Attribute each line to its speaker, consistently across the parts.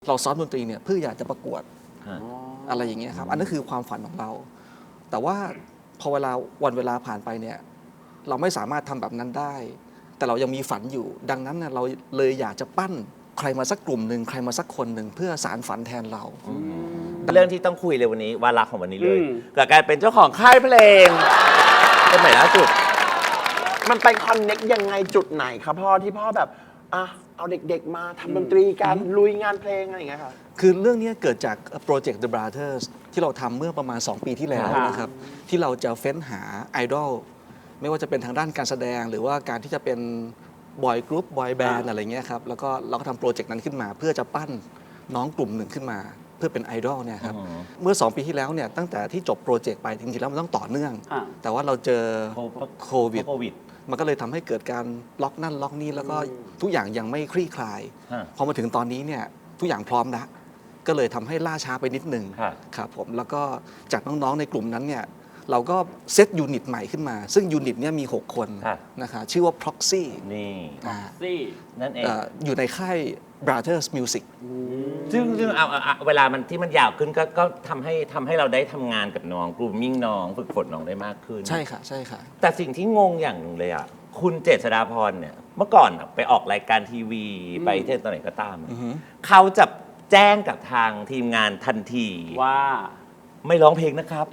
Speaker 1: เราซ้อมดนตรีเนี่ยเพื่ออยากจะประกวดอะไรอย่างเงี้ยครับอันนั้นคือความฝันของเรา แต่ว่าพอวันเวลาผ่านไปเนี่ยเราไม่สามารถทำแบบนั้นได้ แต่เรายังมีฝันอยู่ ดังนั้นเนี่ยเราเลยอยากจะปั้นใครมาสักกลุ่มหนึ่งใครมาสักคนหนึ่งเพื่อสารฝันแทนเรา
Speaker 2: เรื่องที่ต้องคุยเลยวันนี้วาระของวันนี้เลยกับการเป็นเจ้าของค่ายเพลงเป็นใหม่ล่าสุด
Speaker 3: มันไปคอนเน็กยังไงจุดไหนครับพ่อที่พ่อแบบเอาเด็กๆมาทำดนตรีกันลุยงานเพลงอะไรอย่างเงี้ยครับ
Speaker 1: คือเรื่องนี้เกิดจากโปรเจกต์ The Brothers ที่เราทำเมื่อประมาณ 2 ปีที่แล้วนะครับที่เราจะเฟ้นหาไอดอลไม่ว่าจะเป็นทางด้านการแสดงหรือว่าการที่จะเป็นบอยกรุ๊ปบอยแบนด์อะไรเงี้ยครับแล้วก็เราก็ทำโปรเจกต์นั้นขึ้นมาเพื่อจะปั้นน้องกลุ่มหนึ่งขึ้นมาเพื่อเป็นไอดอลเนี่ยครับเมื่อ 2 ปีที่แล้วเนี่ยตั้งแต่ที่จบโปรเจกต์ไปจริงๆแล้วมันต้องต่อเนื่องแต่ว่าเราเจอโควิดมันก็เลยทำให้เกิดการล็อกนั่นล็อกนี่แล้วก็ทุกอย่างยังไม่คลี่คลายพอมาถึงตอนนี้เนี่ยทุกอย่างพร้อมแล้วก็เลยทำให้ล่าช้าไปนิดหนึ่งครับผมแล้วก็จากน้องๆในกลุ่มนั้นเนี่ยเราก็เซตยูนิตใหม่ขึ้นมาซึ่งยูนิตนี้มี6 คนนะคะชื่อว่า Proxy
Speaker 2: นี่
Speaker 3: Proxy
Speaker 2: นั่นเอง
Speaker 1: อยู่ในค่าย Brothers Music
Speaker 2: ซึ่งเอาเวลามันที่มันยาวขึ้นก็ทำให้เราได้ทำงานกับน้องกลุ่มมิ่งน้องฝึกฝนน้องได้มากขึ้น
Speaker 1: ใช่ค่ะใช่ค่ะ
Speaker 2: แต่สิ่งที่งงอย่างหนึ่งเลยอ่ะคุณเจษฎาพรเนี่ยเมื่อก่อนไปออกรายการทีวีไปเทศตอนไหนก็ตามเขาจะแจ้งกับทางทีมงานทันที
Speaker 3: ว่า
Speaker 2: ไม่ร้องเพลงนะครับ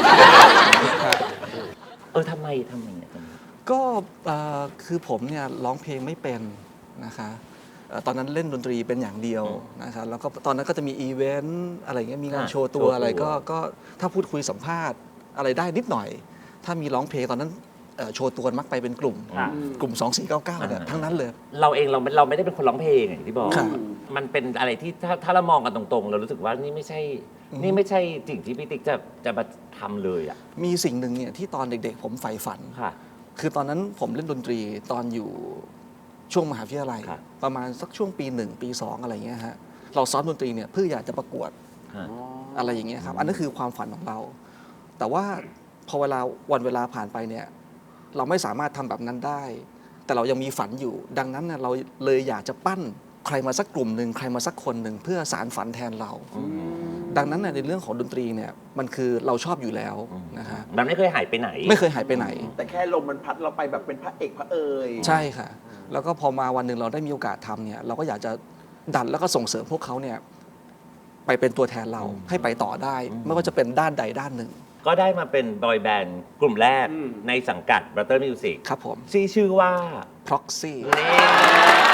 Speaker 2: ทำไมเนี่ย
Speaker 1: ก็คือผมเนี่ยร้องเพลงไม่เป็นนะคะตอนนั้นเล่นดนตรีเป็นอย่างเดียวนะคะแล้วก็ตอนนั้นก็จะมีอีเวนต์อะไรเงี้ยมีงานโชว์ตัวอะไรก็ถ้าพูดคุยสัมภาษณ์อะไรได้นิดหน่อยถ้ามีร้องเพลงตอนนั้นโชว์ตัวมักไปเป็นกลุ่ม2499เนี่ยทั้งนั้นเลย
Speaker 2: เราเองเราไม่ได้เป็นคนร้องเพลงอย่างที่บอกมันเป็นอะไรที่ถ้าเรามองกันตรงๆเรารู้สึกว่านี่ไม่ใช่สิ่งที่พี่ติ๊กจะมาทำเลยอ่ะ
Speaker 1: มีสิ่งหนึ่งเนี่ยที่ตอนเด็กๆผมใฝ่ฝันคือตอนนั้นผมเล่นดนตรีตอนอยู่ช่วงมหาวิทยาลัยประมาณสักช่วงปี 1 ปี 2อะไรเงี้ยฮะเราซ้อมดนตรีเนี่ยเพื่ออยากจะประกวดอะไรอย่างเงี้ยครับอันนั้นคือความฝันของเราแต่ว่าพอวันเวลาผ่านไปเนี่ยเราไม่สามารถทำแบบนั้นได้แต่เรายังมีฝันอยู่ดังนั้นเนี่ยเราเลยอยากจะปั้นใครมาสักกลุ่มหนึ่งใครมาสักคนหนึ่งเพื่อสารฝันแทนเราดังนั้นในเรื่องของดนตรีเนี่ยมันคือเราชอบอยู่แล้วนะฮะ
Speaker 2: มันไม่เคยหายไปไหน
Speaker 1: ไม่เคยหายไปไหน
Speaker 3: แต่แค่ลมมันพัดเราไปแบบเป็นพระเอกพระเอย
Speaker 1: ใช่ค่ะแล้วก็พอมาวันหนึ่งเราได้มีโอกาสทำเนี่ยเราก็อยากจะดันแล้วก็ส่งเสริมพวกเขาเนี่ยไปเป็นตัวแทนเราให้ไปต่อได้ไม่ว่าจะเป็นด้านใดด้านหนึ่ง
Speaker 2: ก็ได้มาเป็นบอยแบนด์กลุ่มแรกในสังกัด Brother Music
Speaker 1: ครับผม
Speaker 2: ชื่อว่า
Speaker 1: Proxy